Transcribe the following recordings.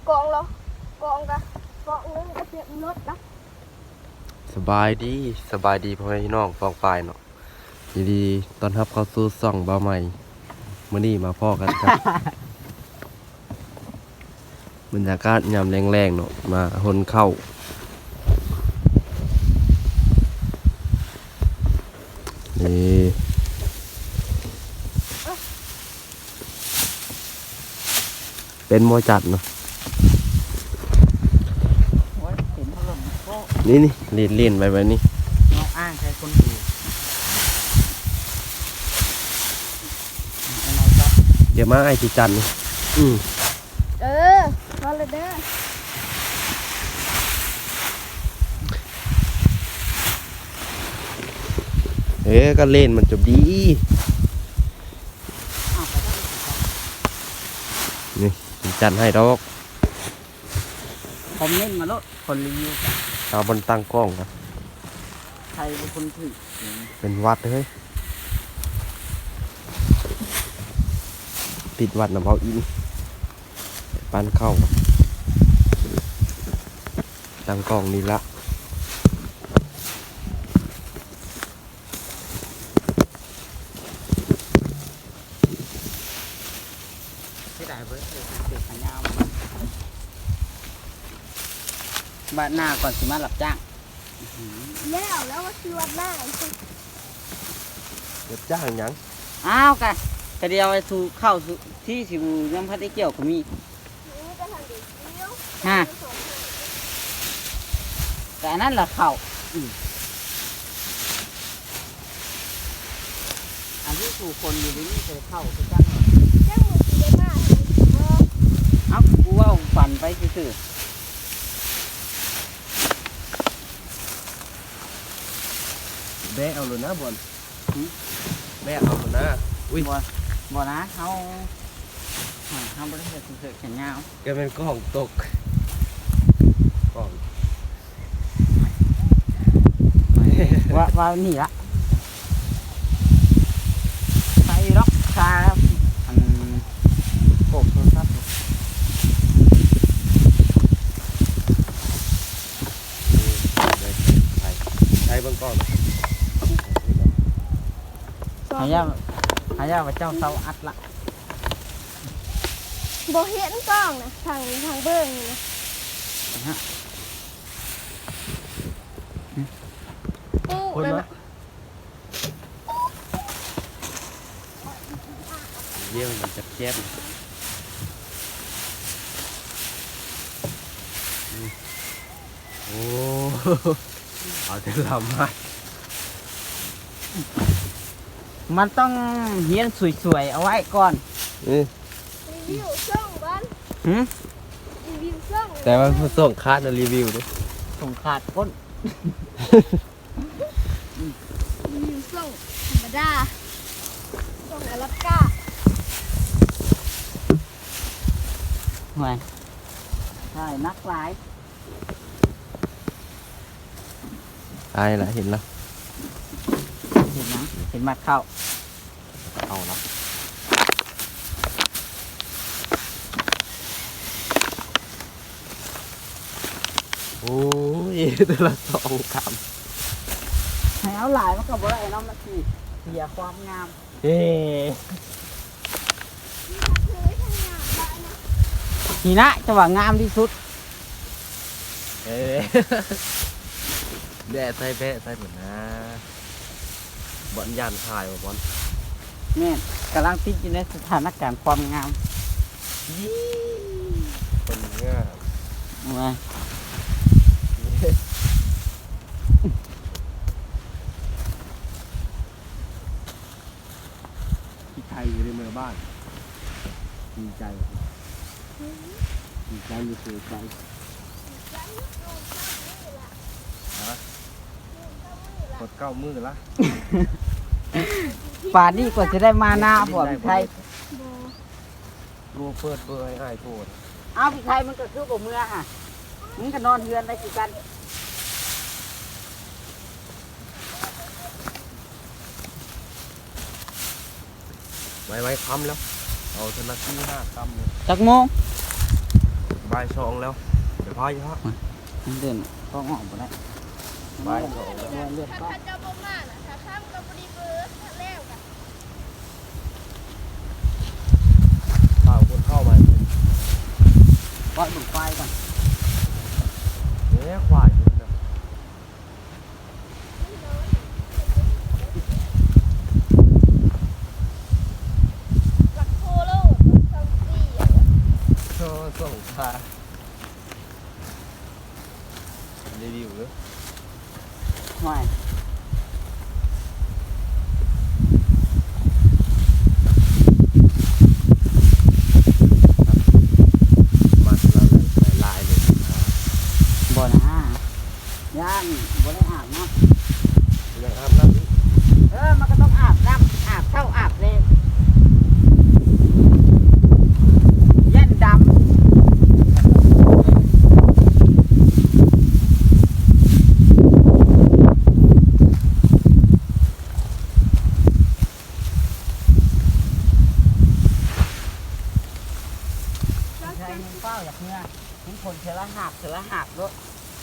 กองเหรอกองกะกองนึงกระเทียมรถนะสบายดีพ่อแม่พี่น้องฟองปลายเนาะยินดีต้อนรับเข้าสู่ซ่องบ่าวใหม่มื้อนี้มาพ่อกันครับ บรรยากาศยามแรงๆเนาะมาหนเข้านี่เป็นโมจัดเนาะโอ้ยเห็นพัดลมก็นี่เล่นไปแบบนี้น้องอ้างใช้คนอื่นอะไรก็เดี๋ยวมาไอ้ที่จันนี่มาเลยเด้อก็เล่นมันจบดีนี่จันให้ดอกคอมเมนต์มาแล้วคนรีวิวเอาบนตั้งกล้องกันใครเป็นคนถือเป็นวัดเฮ้ยปิดวัดนะเบาอินปานเข้าตั้งกล้องนี่ละที่ได้เบิร์ดเลยเด็กขันยาวบ้านหน้าก่อนสิมาหลับจ้างแล้วว่าคือวันหน้าไอ้คนเดี๋ยวจ้างหยังอ้าวกันกระเดียวไอ้สู่เข้าสู่ที่สิบูน้ำพัดได้เกี่ยวก็มีนี้ก็ทำดีเดียวฮะแต่อันนั้นแหละเข้าอันที่สู่คนอยู่นี่เคยเข้าคือกันแจ้งมือสีได้มากเอ้ากูว่าฝันไปซื่อแบะเอาเลยนะบอลแบะเอาเลยนะอุ้ยบ่นะเขาบริษัทสุดแขนยาวแกเป็นกล้องตกกล้องว่านี่ละใส่ล็อกคาอันโกบโทรศัพท์ใช้เบื้องกล้องหายาว่าเจ้าเสาอัดละโบเห็นกล้องนะทางเบิ้งนี่นะปุ๊บเลยนะเยี่ยมมันจะแจ๊บโอ้เอาแต่ลำมามันต้องเฮียนสวยๆเอาไว้ก่อนรีวิวช่องบ้านหืมรีวิวช่องแต่ว่าผู้ส่งคาดนะรีวิวด้วยส่งขาดก้นรีวิวช่องธรรมดาช่องอลาสก้าห่วยใช่นักหลายตายละเห็นแล้วเห็นนะเห็นมัดเข้าเอาละโอ้ยแต่ละสองคให้เอาหลายมันก็บ่ได้เนาะมันสิเสียความงามำเฮ้เลยทางงานได้นะนี่นะจะว่างามที่สุดเอ้แบะใส่เหมือนนะบอลยานขายว่ะบอลเนี่ยกำลังติดอยู่ในสถานการณ์ความงามคนง่ายมาที่ไทยอยู่ในเมืองบ้านดีใจดีใจอยู่เสียใจกดเก้ามือละป่านนี้กว่าจะได้มาหน้าบ่พี่ไทยรูเปิดเบอร์ให้อ้ายโทษเอาพี่ไทยมันก็คือบ่เมื่อฮะมึงก็นอนเฮือนได้คือกันไว้ค้ำแล้วเอาธนาคาร5 คำเลยจักโมงบบ่ายสองแล้วเดี๋ยวพาอยู่ครับมันเดินก็ออกบ่ได้บ่ายสองแล้วเลือดก็ถ้าเจ้าบ่มาน่ะถ้าข้ามก็บ่ดีเบอร์ถ้าแล้วกันเปล่าคนเข้ามาวัดบุกไฟก่อนเนี่ยควายอยู่นะหลักโคโลซัมซี่โซ่ส่งพารีวิวเลยไม่มาละลายเลยบ่นะย่านบ่ได้อาบน้ยังอาบน้ำนี่ำมันก็ต้องอาบน้ำอาบเท่าอาบเลยเย็นดำใช่ยิงเป้าอยากเนื้อยิงผลเทละหักด้วย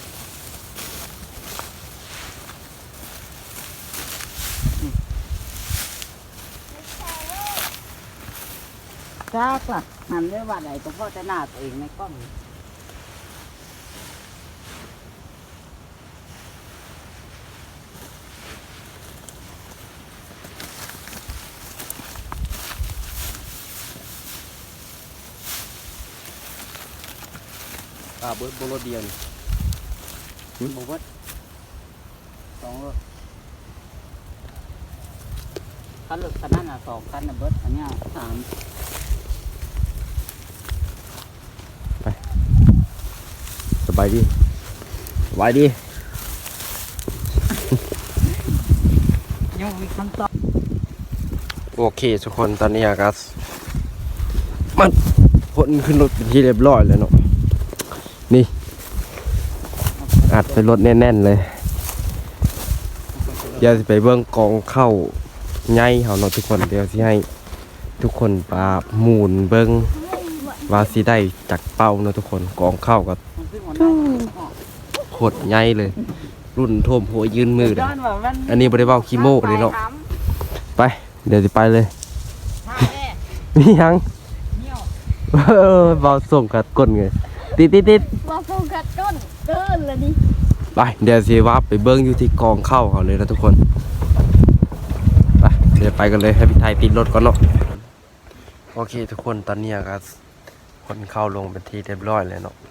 จ้าล่ะหันด้วยว่าใดก็พ่อจะหน้าตัวเองในกล้องเบิร์ดโบโลเดียนบอกว่าสองรถคันรถคันนั้นสองคันเบิร์ดอันนี้สามสบายดีสบายดียังมีคำตอบโอเคทุกคนตอนนี้อากาศมันคนขึ้นรถเป็นที่เรียบร้อยแล้วเนาะนี่อัดไปรถแน่นๆเลยเดี๋ยวจะไปเบิ้งกองเข้าไงเขาเนาะทุกคนเดี๋ยวสิให้ทุกคนปาหมุนเบิ้งว่าสิได้จากเป้าเนาะทุกคนกองเข้ากับมันขึ้นหัวหน้าโคตรใหญ่เลย รุ่นท่วมหัวยืนมือเลยย้อนว่ามันอันนี้บริเวาคีโมกเลยเนาะไปเดี๋ยวจะไปเลยท่าแรกมียังเงี้ยวเบาส่งกัดก้นไงติดว่าโฟกัสต้นเกินละนี่ไปเดี๋ยวสิว่าไปเบิ้งอยู่ที่กองเข้าเขาเลยนะทุกคนไปเดี๋ยวไปกันเลยให้พี่ไทยติดรถก่อนเนาะโอเคทุกคนตอนนี้ก็คนเข้าลงเป็นที่เรียบร้อยเลยเนาะ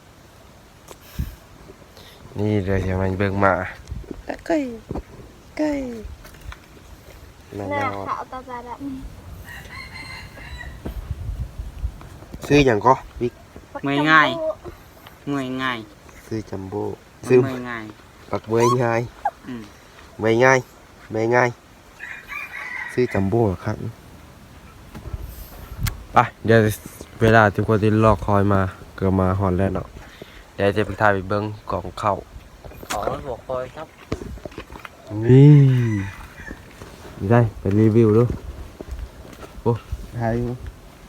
นี่เดี๋ยวจะมาเบิ้งมาใกล้แม่หน้าเนาะขาวตาตาดซื้ออย่างก็บิ๊กำเมื่อยง่ายเมื่อยง่ายซื้อจัมโบ้เมื่ซื้ออยง่ายปักเมื่อยง่ายอืมเมื่อยง่ายเมื่อยง่ายซื้อจัมโบ้ครับไปเดี๋ยวเวลาทุกคนที่รอคอยมาเกิดมาหอนแล้วเนาะเดี๋ยวจะไปถ่ายไปเบิ้งกล่องเข้าขอหัวคอยครับนี่ได้ไปรีวิวดูโอ้ถ่ายอยู่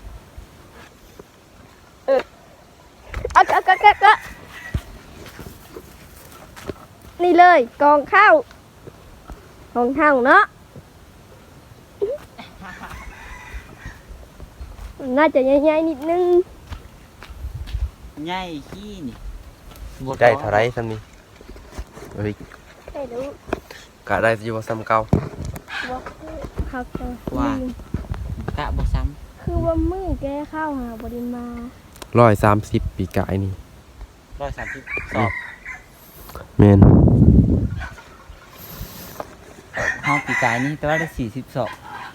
ก็นี่เลยกองข้าวของเฮาเนาะน่าจะใหญ่ๆนิดนึงง่ายขี้นี่ได้เท่าไรซ้ำนี้เฮ้ยไม่รู้กะได้อยู่ว่าซ้ำเก่าว่าเขาจะว่ากะบ่ซ้คือว่ามือแกเข้าหาบริมา 130ปีกายนี่ำ130สอบเมนเฮาปีกายนี่แต่ว่าได้40สอบ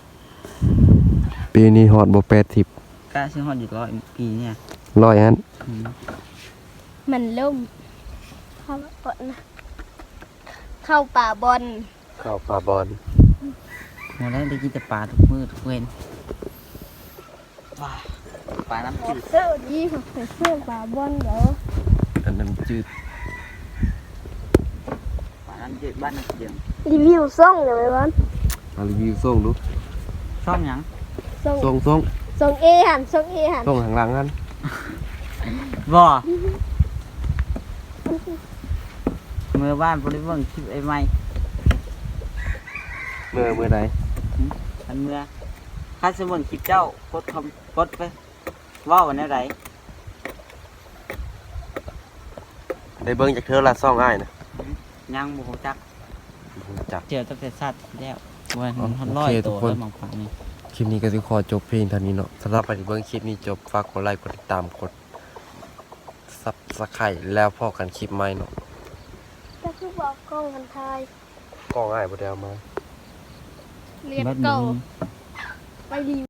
ปีนี้ฮอดบ่80 กะสิฮอดอยู่100ปีเนี่ย 100อันอืมมันล่มเข้าก่อนนะเข้าป่าบอลเข้าปลาบอลบ่ได้กินแต่ปลาทุกมื้อทุกเว้นว้าปลาน้ำจืดเสื้อดีของใส่เสื้อป่าบอลเดี๋ยวอันน้ำจืดปลาน้ำจืดบ้านน้ำเจียงรีวิวซ่องเดี๋ยวไปบอลมารีวิวส่งดูชอบหยังซ่องส่งซ่องเอหันส่งข้างหลังกันบ่เมื่อบ้านบ่ได้เบิ่งคลิปไอ้ใหม่เมื่อไหนอันเมื่อข้าสิเบิ่งคลิปเจ้ากดกดไปเว้ากันแนวใดได้เบิ่งจากเธอละซ่องอ้ายนะยังบ่ฮู้จักจักเจอตั้งแต่สัตว์แล้ววันอ๋อมันโอร้อยเคทุตักวคนแล้วบางฝั่งนี่คลิปนี้ก็สิขอจบเพียงเท่านี้เนาะสำหรับใครที่เบิ่งคลิปนี้จบฝากกดไลค์กดติดตามกด Subscribe แล้วพอกันคลิปใหม่เนาะก็คือบอกกล้องมันทายกล้องอ้ายบ่ได้เอามาเรียบบัดเก่านี้ไปดี